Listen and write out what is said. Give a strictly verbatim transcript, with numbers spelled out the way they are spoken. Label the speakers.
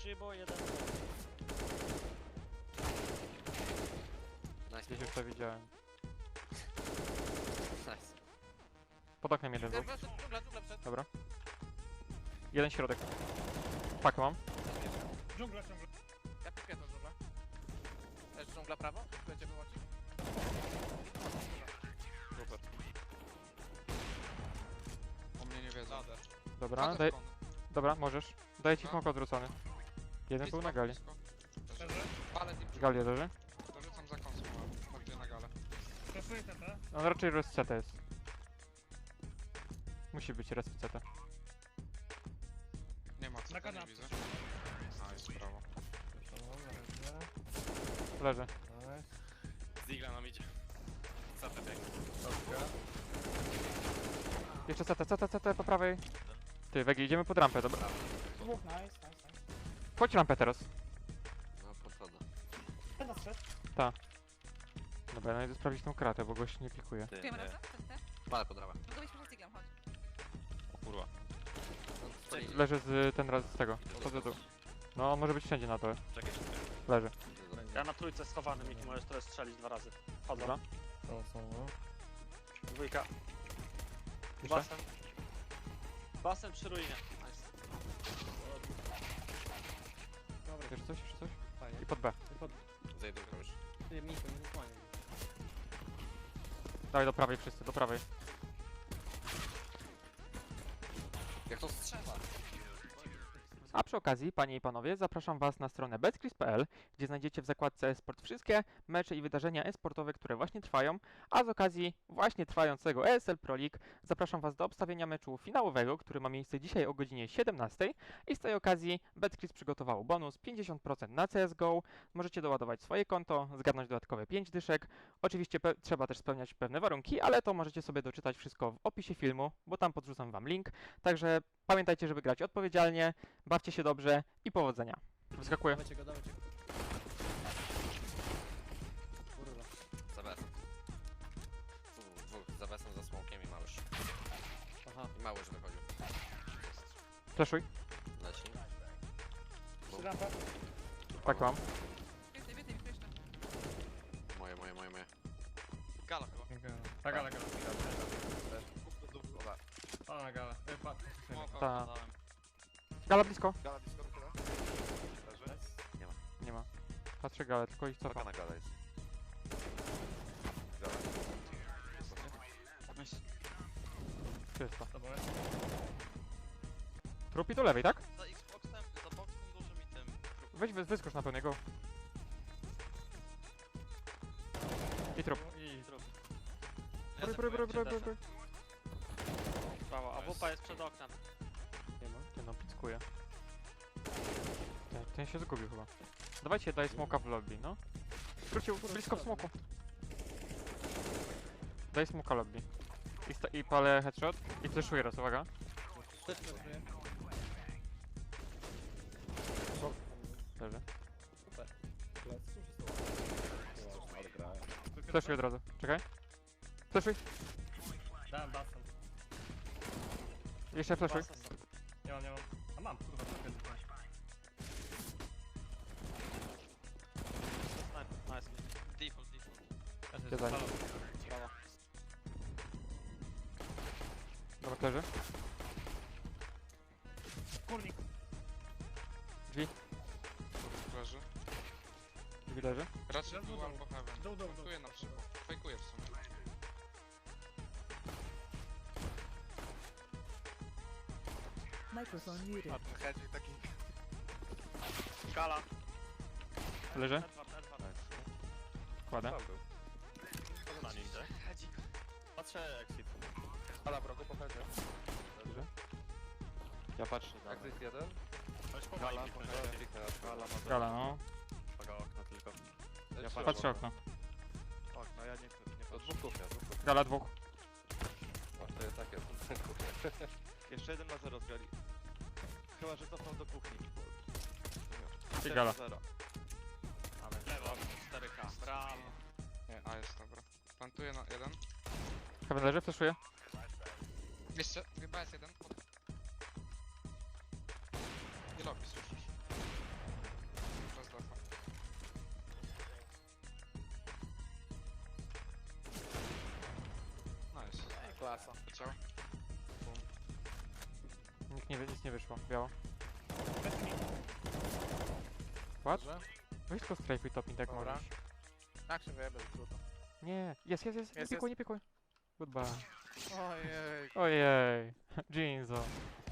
Speaker 1: Szybo, jeden.
Speaker 2: Nice.
Speaker 3: Gdzieś już to widziałem.
Speaker 2: Nice.
Speaker 3: Pod oknem jeden był.
Speaker 4: Dżungla, dżungla przed.
Speaker 3: Dobra. Jeden środek. Pakę mam.
Speaker 4: Dżungla, dżungla. Ja pipię tą dżunglę. Też dżungla prawo? Będzie wyłączyć?
Speaker 5: Super. O mnie nie wiedzą.
Speaker 4: Lader.
Speaker 3: Dobra, daj... Dobra, możesz. Daję ci smok odwrócony. Jeden był na gali.
Speaker 5: Ale nim
Speaker 3: Gali leży.
Speaker 5: dorzucam za konsumą, bardziej na galę.
Speaker 4: Proszę ten, tak?
Speaker 3: On raczej res C T jest. Musi być res C T.
Speaker 5: Nie ma co,
Speaker 4: Na
Speaker 5: to nie
Speaker 4: kanapie.
Speaker 5: widzę. A, jest prawo.
Speaker 3: Leży.
Speaker 2: Zigla nam idzie. Co to biegnie?
Speaker 3: Jeszcze C T, C T, C T po prawej. Ty, Wegi, idziemy pod rampę, dobra.
Speaker 6: Dwóch, nice, nice, nice.
Speaker 3: Chodź rampę teraz.
Speaker 2: No, podchodzę.
Speaker 6: Ten zszedł.
Speaker 3: Dobra, ja idę sprawdzić tą kratę, bo gość nie pikuje.
Speaker 2: Ty,
Speaker 7: Wiem
Speaker 2: nie.
Speaker 7: razem? Ten, ten?
Speaker 2: Palę pod ramę.
Speaker 7: Mogę być poza cyglem, chodź.
Speaker 2: O kurwa. No,
Speaker 3: Le leży z ten raz z tego. Chodzę tu. No, on może być wszędzie na dole.
Speaker 2: Czekaj, czekaj.
Speaker 3: Leży.
Speaker 1: Ja na trójce schowany, Miki, możesz teraz strzelić dwa razy. Chodzą.
Speaker 3: Dobra.
Speaker 1: Dwójka.
Speaker 3: Jeszcze?
Speaker 1: Basen. Basen przy ruinie. Nice.
Speaker 3: Jeszcze coś, jeszcze coś? I pod B.
Speaker 2: Zejdę już.
Speaker 3: Dawaj do prawej wszyscy, do prawej.
Speaker 2: Jak to strzela?
Speaker 3: A przy okazji, panie i panowie, zapraszam was na stronę betcris kropka p l, gdzie znajdziecie w zakładce e-sport wszystkie mecze i wydarzenia e-sportowe, które właśnie trwają, a z okazji właśnie trwającego E S L Pro League zapraszam was do obstawienia meczu finałowego, który ma miejsce dzisiaj o godzinie siedemnastej i z tej okazji Betcris przygotował bonus pięćdziesiąt procent na C S G O, możecie doładować swoje konto, zgarnąć dodatkowe pięć dyszek, oczywiście trzeba też spełniać pewne warunki, ale to możecie sobie doczytać wszystko w opisie filmu, bo tam podrzucam wam link, także pamiętajcie, żeby grać odpowiedzialnie, bawcie się dobrze i powodzenia. Wyskakuję.
Speaker 6: Dawajcie go, dawajcie go. Kurwa.
Speaker 2: Za besem. Tu, dwóch. Za besem, za smokiem i małysz.
Speaker 6: Aha.
Speaker 2: I małysz wychodził.
Speaker 3: Fleszuj.
Speaker 2: Leci.
Speaker 6: Rampa.
Speaker 3: Tak mam.
Speaker 7: Więcej, więcej, więcej jeszcze.
Speaker 2: Moje, moje, moje, moje.
Speaker 4: Gala chyba. Tak, gala, gala. O, na gala. E, patrz.
Speaker 3: Ta. Gala blisko.
Speaker 2: Gala blisko, tyle? Leży? Nie ma.
Speaker 3: Nie ma. Patrzę galę, tylko ich
Speaker 2: Paka
Speaker 3: cofam.
Speaker 2: na gala jest. Gala.
Speaker 3: Czysto.
Speaker 4: To było.
Speaker 3: Trupi do lewej, tak?
Speaker 8: Za Xboxem, za boxem dużym i tym.
Speaker 3: Weź wy- wyskocz na pełnego. I trup.
Speaker 4: I
Speaker 3: Bry, bry, bry, bry, bry, bry.
Speaker 1: Prawo, a wupa jest przed oknem.
Speaker 3: Nie ma. Ten no, pickuje. Ten, ten się zgubił chyba. Dawajcie, daj smoka w lobby, no. Wrócił blisko w smoku. Daj smoka lobby. I, sta- I palę headshot. I fleszuję raz, uwaga.
Speaker 6: Też pracuję.
Speaker 3: Leży.
Speaker 6: Plec.
Speaker 3: Fleszuj od razu. Czekaj. Fleszuj.
Speaker 4: dałem basen.
Speaker 3: Jeszcze fleszuj.
Speaker 1: Basen są.
Speaker 4: Nie mam, nie mam. A mam, kurwa, co jest?
Speaker 1: Sniper, nice.
Speaker 8: Default, default.
Speaker 3: Gdzie za nim?
Speaker 1: Prawo.
Speaker 3: Dobra, leży.
Speaker 4: Kurnik.
Speaker 3: Drzwi.
Speaker 5: Leży.
Speaker 3: Drzwi leży.
Speaker 5: Raczej był albo heaven.
Speaker 4: Dół, dół, dół.
Speaker 5: Fejkuję na przykład. Fejkuję w sumie.
Speaker 9: Microphone muted.
Speaker 4: Hedzik taki.
Speaker 1: Gala.
Speaker 3: Leży.
Speaker 1: Edward, Edward.
Speaker 3: Kładę.
Speaker 1: Na nim, tak?
Speaker 8: Hedzik.
Speaker 1: Patrzę exit.
Speaker 4: Gala, wrogu, pochodzę.
Speaker 3: Dobrze.
Speaker 2: Ja patrzę. Jak jest jeden?
Speaker 4: Gala,
Speaker 2: Gala ma
Speaker 3: Gala, no.
Speaker 2: Paga okno tylko. Ja
Speaker 3: Patrzę okno.
Speaker 2: Okno, ja nie, nie patrzę. Dwóch kuchnia, dwóch kuchnia.
Speaker 3: Gala dwóch.
Speaker 2: O, to jest takie. Jeszcze jeden ma zero z gali. Chyba, że cofnął do kuchni.
Speaker 3: I gala.
Speaker 2: Zero.
Speaker 1: Ale lewo, cztery K. Brawo.
Speaker 5: Nie, a jest dobra. Plantuję na jeden.
Speaker 3: Heaven leży, fleszuję.
Speaker 5: Jeszcze, chyba jest jeden. I lobby słyszysz.
Speaker 4: klasa.
Speaker 5: Leciał.
Speaker 3: Nikt nie, wie- nic nie wyszło, biało.
Speaker 6: Plecy mi.
Speaker 3: What?
Speaker 4: Dobrze.
Speaker 3: Weź tylko strajfuj topin, tak
Speaker 4: Dobra.
Speaker 3: możesz.
Speaker 4: Jak się wyjebę z trutu?
Speaker 3: Nie, jest, jest, jest, nie
Speaker 4: Jest,
Speaker 3: pikuj, nie pikuj. Goodbye.
Speaker 4: Ojej.
Speaker 3: Ojej, Jinzo.